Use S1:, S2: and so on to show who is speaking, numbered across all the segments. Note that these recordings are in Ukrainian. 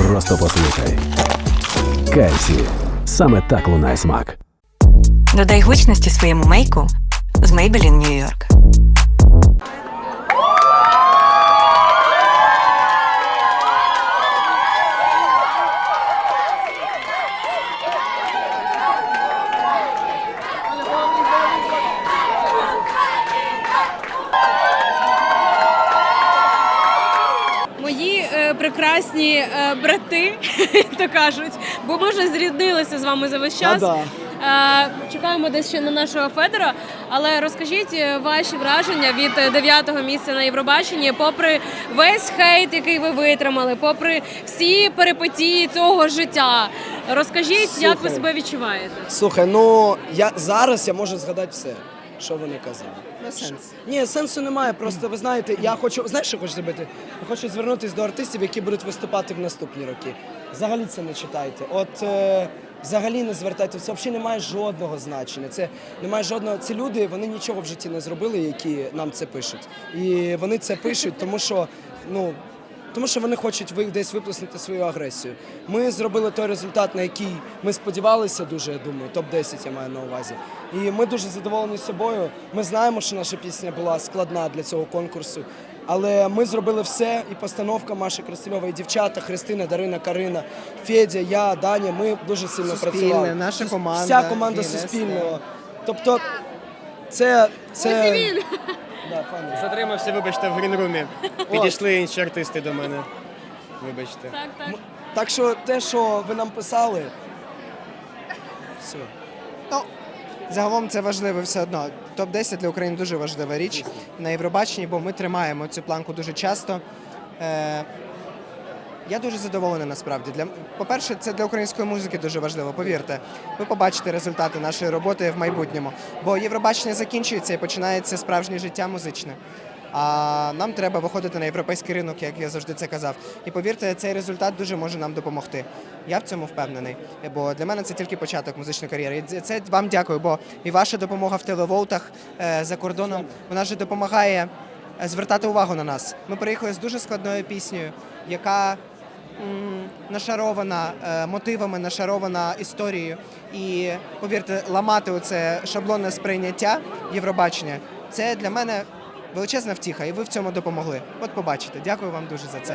S1: Просто послухай. Кайсі. Саме так лунає смак.
S2: Додай гучності своєму мейку з Maybelline New York.
S3: Мої прекрасні брати, як то кажуть, бо ми вже зріднилися з вами за весь час. Чекаємо десь ще на нашого Федора, але розкажіть ваші враження від 9-го місця на Євробаченні, попри весь хейт, який ви витримали, попри всі перипетії цього життя. Розкажіть, як ви себе відчуваєте?
S4: Слухай, ну зараз я можу згадати все, що вони казали.
S5: Не сенс.
S4: Ні, сенсу немає, просто ви знаєте, я хочу, знаєш, що хочу зробити? Я хочу звернутися до артистів, які будуть виступати в наступні роки. Взагалі це не читайте. Взагалі не звертайте, це взагалі не має жодного значення. Це немає жодного. Ці люди, вони нічого в житті не зробили, які нам це пишуть. І вони це пишуть, тому що вони хочуть десь виплеснути свою агресію. Ми зробили той результат, на який ми сподівалися дуже, я думаю, топ-10 я маю на увазі. І ми дуже задоволені собою. Ми знаємо, що наша пісня була складна для цього конкурсу. Але ми зробили все, і постановка Маші Красильової, і дівчата, Христина, Дарина, Карина, Федя, я, Даня, ми дуже сильно працювали.
S5: Наша команда.
S4: Вся команда Суспільного. Тобто це...
S3: Ось і він!
S4: Да, файно.
S6: Затримався, вибачте, в грінрумі. Підійшли інші артисти до мене. Вибачте.
S3: Так.
S4: Так що те, що ви нам писали, все.
S5: Ну, загалом це важливо все одно. Топ-10 для України дуже важлива річ на Євробаченні, бо ми тримаємо цю планку дуже часто. Я дуже задоволений насправді. По-перше, це для української музики дуже важливо, повірте. Ви побачите результати нашої роботи в майбутньому. Бо Євробачення закінчується і починається справжнє життя музичне. А нам треба виходити на європейський ринок, як я завжди це казав. І повірте, цей результат дуже може нам допомогти. Я в цьому впевнений. Бо для мене це тільки початок музичної кар'єри. І це вам дякую, бо і ваша допомога в телевоутах за кордоном, вона ж допомагає звертати увагу на нас. Ми приїхали з дуже складною піснею, яка нашарована мотивами, нашарована історією. І, повірте, ламати оце шаблонне сприйняття Євробачення, це для мене величезна втіха, і ви в цьому допомогли. От побачите. Дякую вам дуже за це.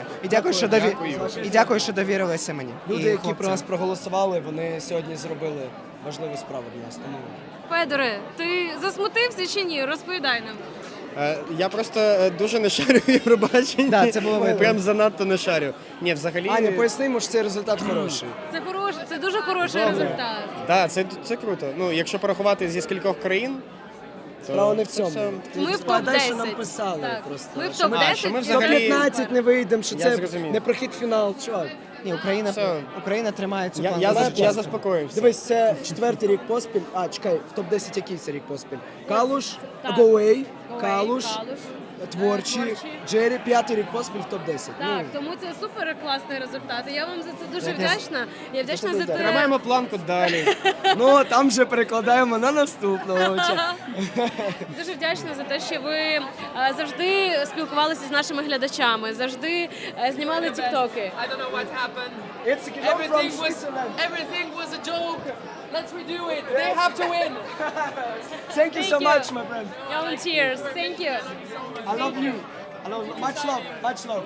S5: І дякую, що довірилися мені.
S4: Люди,
S5: і
S4: які
S5: хлопцям.
S4: про нас проголосували, вони сьогодні зробили важливу справу для нас. Тому
S3: Федоре, ти засмутився чи ні? Розповідай нам.
S6: Я просто дуже не шарю в Євробаченні.
S5: Да, це було видно.
S6: Прям занадто не шарю. Ні, взагалі...
S4: Аня, пояснимо, що цей результат хороший.
S3: Це дуже хороший результат.
S6: Так, це круто. Ну, якщо порахувати зі скількох країн, то
S4: Справа не в
S6: це
S4: цьому.
S6: все-
S3: Ми в
S4: Складай, що нам
S3: топ-10.
S4: писали
S3: Так.
S4: просто.
S3: Ми в
S4: Що ми-
S3: топ-10.
S6: що ми
S3: і
S6: взагалі-
S4: До 15 не вийдемо, що
S6: Я
S4: це
S6: зрозумів.
S4: не прохід в фінал. Чувак,
S5: Ні,
S6: Все.
S5: Україна тримає цю
S6: Я
S5: планку.
S6: заспокоївся.
S4: дивись, це 4-й рік поспіль. Чекай, в топ-10 який це рік поспіль? Калуш,
S3: Так.
S4: Гоуей, Калуш, Творчі,
S3: Творчі.
S4: Джері, 5-й рік поспіль в топ-10.
S3: Так, тому це супер класний результат. І я вам за це дуже вдячна. Я вдячна за те.
S6: Тримаємо планку далі.
S4: Ну, там вже перекладаємо на наступного.
S3: Дуже вдячна за те, що ви завжди спілкувалися з нашими глядачами, завжди знімали тіктоки.
S7: I don't know what happened.
S4: It's
S7: Everything was a joke. Let's redo it. They have to win.
S4: Thank you so
S3: Thank you.
S4: much, my friend.
S3: You're tears. Thank you.
S4: I love you. Much love, much love.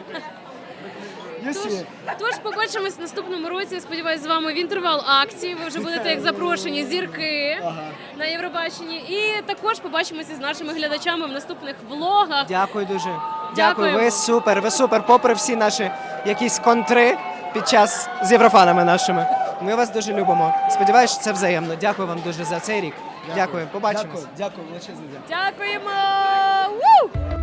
S4: You see it.
S3: Тож побачимось в наступному році. Я сподіваюся, з вами в інтервал акції. Ви вже будете як запрошені зірки на Євробаченні. І також побачимося з нашими глядачами в наступних влогах.
S5: Дякую дуже.
S3: Дякуємо.
S5: Дякую, ви супер. Попри всі наші якісь контри під час з єврофанами нашими. Ми вас дуже любимо. Сподіваюся, що це взаємно. Дякую вам дуже за цей рік. Дякую. Побачимось.
S4: Дякую, величезне дякую.
S3: Дякуємо! Ву!